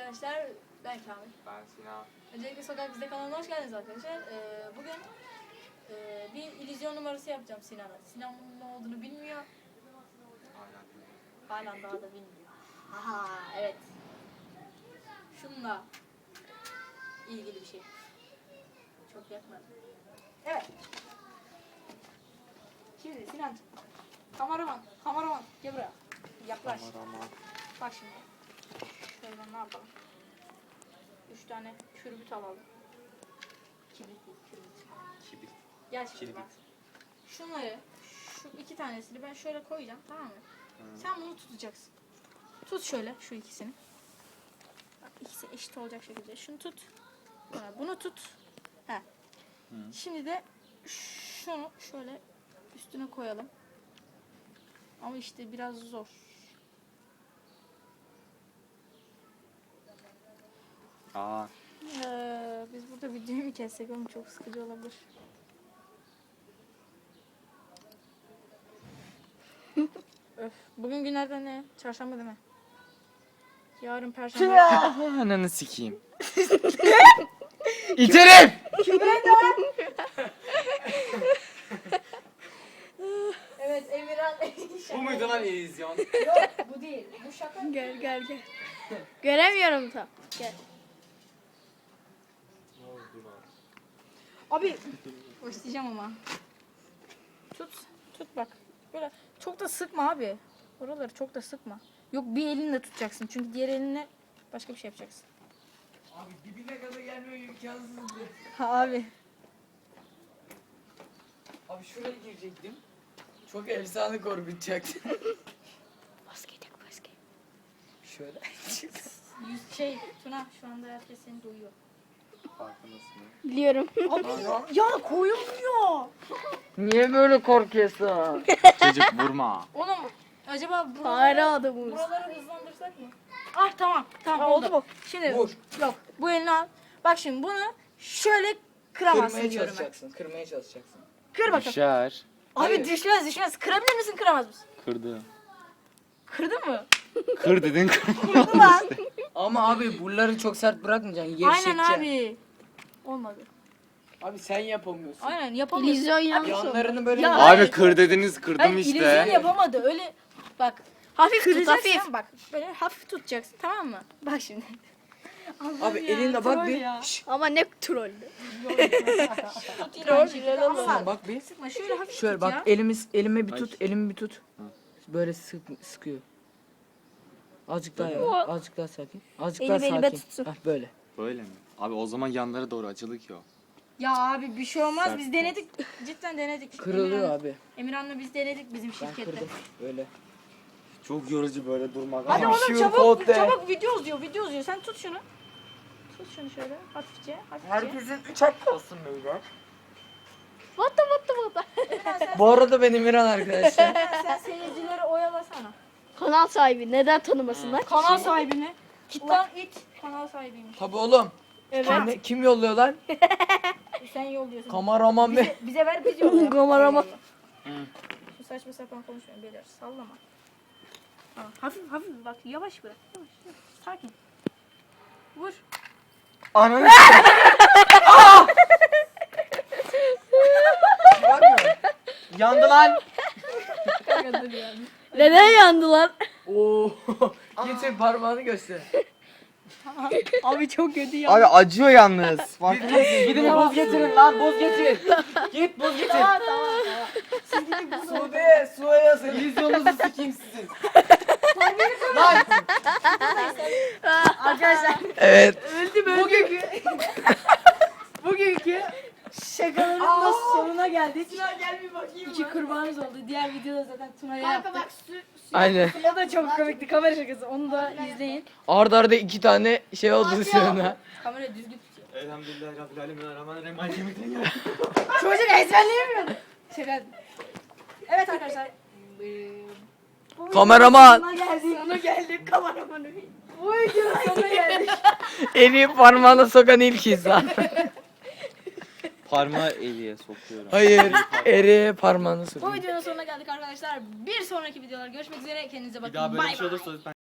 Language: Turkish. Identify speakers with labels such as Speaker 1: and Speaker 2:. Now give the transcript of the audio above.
Speaker 1: arkadaşlar, ben Kamil.
Speaker 2: Ben Sinan.
Speaker 1: Öncelikle Sokak Bizde kanalına hoş geldiniz arkadaşlar. Bugün bir illüzyon numarası yapacağım Sinan'a. Sinan ne olduğunu bilmiyor. Halen daha da bilmiyor. Aha, evet. Şununla ilgili bir şey. Çok yakmadım. Evet. Şimdi Sinancığım. Kameraman gel buraya. Yaklaş.
Speaker 2: Kameraman.
Speaker 1: Bak şimdi. Şöyle ne yapalım? 3 tane kürbüt alalım. Kibrit değil, kürbüt.
Speaker 2: Kibrit.
Speaker 1: Gel şimdi
Speaker 2: Kirbit.
Speaker 1: bak. Şunları, şu 2 tanesini ben şöyle koyacağım, tamam mı?
Speaker 2: Hı.
Speaker 1: Sen bunu tutacaksın. Tut şöyle şu ikisini. Bak ikisi eşit olacak şekilde. Şunu tut. Sonra bunu tut. He.
Speaker 2: Hı.
Speaker 1: Şimdi de şunu şöyle üstüne koyalım. Ama işte biraz zor.
Speaker 2: Aa.
Speaker 1: Biz burada videoyu mu kessek, oğlum çok sıkıcı olabilir. Öf. Bugün günlerden ne? Çarşamba değil mi? Yarın perşembe.
Speaker 2: Ananı sikeyim. İterim.
Speaker 1: Evet, Emirhan.
Speaker 2: Bu muydu lan illüzyon?
Speaker 1: Yok, bu değil. Bu şaka.
Speaker 3: Gel. Göremiyorum tam. Gel.
Speaker 1: Abi. Başlayacağım ama. Tut bak. Böyle çok da sıkma abi. Oraları çok da sıkma. Yok, bir elinle tutacaksın. Çünkü diğer elinle başka bir şey yapacaksın.
Speaker 4: Abi dibine kadar gelmiyor imkansızdı.
Speaker 1: Ha abi.
Speaker 4: Abi şuraya girecektim. Çok efsane korkutacaktı.
Speaker 3: Basket.
Speaker 4: Şöyle.
Speaker 1: Tuna şu anda herkes seni duyuyor.
Speaker 2: Farkındasın.
Speaker 3: Biliyorum.
Speaker 1: Ya koyulmuyor.
Speaker 4: Niye böyle korkuyorsun?
Speaker 2: Çocuk vurma.
Speaker 1: Oğlum acaba
Speaker 3: Fare adamız.
Speaker 1: buraları hızlandırsak mı? Ah tamam oldu bu. Şimdi
Speaker 4: Vur.
Speaker 1: yok, bu elini al. Bak şimdi bunu şöyle kıramazsın
Speaker 4: Kırmaya
Speaker 1: diyorum ben.
Speaker 4: çalışacaksın.
Speaker 1: Kır bakalım.
Speaker 2: Düşer.
Speaker 1: Abi
Speaker 4: Hayır.
Speaker 1: düşmez. Kırabilir misin, kıramaz mısın?
Speaker 2: Kırdı.
Speaker 1: Kırdın mı?
Speaker 2: Kır dedin
Speaker 1: Kırdı lan.
Speaker 4: Ama abi buraları çok sert bırakmayacaksın.
Speaker 1: Aynen
Speaker 4: Gevşeteceksin.
Speaker 1: abi. Olmadı.
Speaker 4: Abi sen yapamıyorsun.
Speaker 1: Aynen yapamadı.
Speaker 3: İllüzyon yanlış oldu.
Speaker 4: Yanlarını böyle
Speaker 1: Ya,
Speaker 2: Abi kır dediniz kırdım
Speaker 1: Hayır, illüzyon
Speaker 2: işte.
Speaker 1: yapamadı. Öyle bak. Hafif tut,
Speaker 3: Kıracaksın.
Speaker 1: hafif. Bak böyle hafif tutacaksın, tamam mı? Bak şimdi.
Speaker 4: Abi elinle bak bir. Şşş.
Speaker 3: Ama ne trollü.
Speaker 1: Tut yine aynı şekilde ama
Speaker 4: Sen
Speaker 1: bak.
Speaker 4: bak bir.
Speaker 1: Sıkma, şöyle hafif
Speaker 4: Şöyle
Speaker 1: tut
Speaker 4: bak
Speaker 1: ya.
Speaker 4: elimi bir
Speaker 2: Ay.
Speaker 4: tut, elimi bir tut.
Speaker 2: Hı.
Speaker 4: Böyle sıkıyor. Azıcık daha
Speaker 2: Böyle
Speaker 4: yavaş, azıcık daha sakin. Azıcık
Speaker 3: Elimi
Speaker 4: daha
Speaker 3: elime
Speaker 4: sakin.
Speaker 3: tutsun.
Speaker 4: Hah böyle.
Speaker 2: Böyle mi? Abi o zaman yanlara doğru açılı ki o.
Speaker 1: Ya abi bir şey olmaz,
Speaker 2: Sert
Speaker 1: biz
Speaker 2: mi?
Speaker 1: denedik. Cidden denedik.
Speaker 4: Kırılıyor abi.
Speaker 1: Emirhan'la biz denedik bizim
Speaker 4: Ben
Speaker 1: şirkette.
Speaker 4: kırdım. Böyle.
Speaker 2: Çok yorucu böyle durmak.
Speaker 1: Hadi
Speaker 4: Ama
Speaker 1: oğlum
Speaker 4: şu
Speaker 1: çabuk
Speaker 4: pote.
Speaker 1: video uzuyor. Sen tut şunu. Tut şunu şöyle hafifçe.
Speaker 4: Herkesin 3 hakkı olsun beyler.
Speaker 3: What the.
Speaker 1: Emirhan, sen,
Speaker 4: Bu arada ben Emirhan arkadaşlar.
Speaker 1: sen seyircileri oyalasana.
Speaker 3: Kanal sahibi neden tanımasınlar?
Speaker 1: Kanal sahibini. Ulan it kanal sahibiymiş.
Speaker 4: Tabi oğlum.
Speaker 3: Evet.
Speaker 4: Kim yolluyor lan?
Speaker 1: Sen yolluyorsun.
Speaker 4: Kameraman be.
Speaker 1: Bize ver, biz yollayalım.
Speaker 3: Kameraman.
Speaker 1: Şu saçma sapan konuşmayın beyler. Sallama. Tamam. Hafif bak, yavaş bırak. Yavaş. Sakin. Vur.
Speaker 4: Ananı Var mı? Yandı lan.
Speaker 3: Neden yandılar?
Speaker 4: Oo. Getir parmağını göster.
Speaker 3: Abi çok kötü ya.
Speaker 2: Abi acıyor yalnız.
Speaker 4: Gidin buz getirin lan, buz getir. Git buz getir. Suya yazın. İllüzyonunuzu sikeyim sizin. Lan.
Speaker 1: Arkadaşlar
Speaker 4: Evet.
Speaker 1: bugünkü şakaların da sonuna geldik. Gel bir bakayım. 2 kurbanımız oldu. Diğer videoda zaten Tuna'ya yaptık.
Speaker 4: Aynen.
Speaker 1: O da çok komikti, kamera şakası. Onu da izleyin.
Speaker 4: Arda arda 2 tane şey oldu sonra.
Speaker 1: Kamera düzgün tutuyor.
Speaker 2: Elhamdülillah Rabbil Alemin Rahmanirrahim Maliki Yevmiddin ya.
Speaker 1: Çocuk ezberleyemiyordu. Şaka. Evet arkadaşlar.
Speaker 4: Kameraman.
Speaker 1: Sonuna geldik kameramanı. Bu videonun sonuna geldik.
Speaker 4: Eli parmağına sokan ilk insan.
Speaker 2: Parmağı eliye sokuyorum.
Speaker 4: Hayır. Eri parmağını
Speaker 1: Bu
Speaker 4: sokuyor.
Speaker 1: videonun sonuna geldik arkadaşlar. Bir sonraki videolar görüşmek üzere. Kendinize bakın.
Speaker 2: Bir daha böyle bir
Speaker 1: Bay
Speaker 2: şey
Speaker 1: bay.
Speaker 2: olursa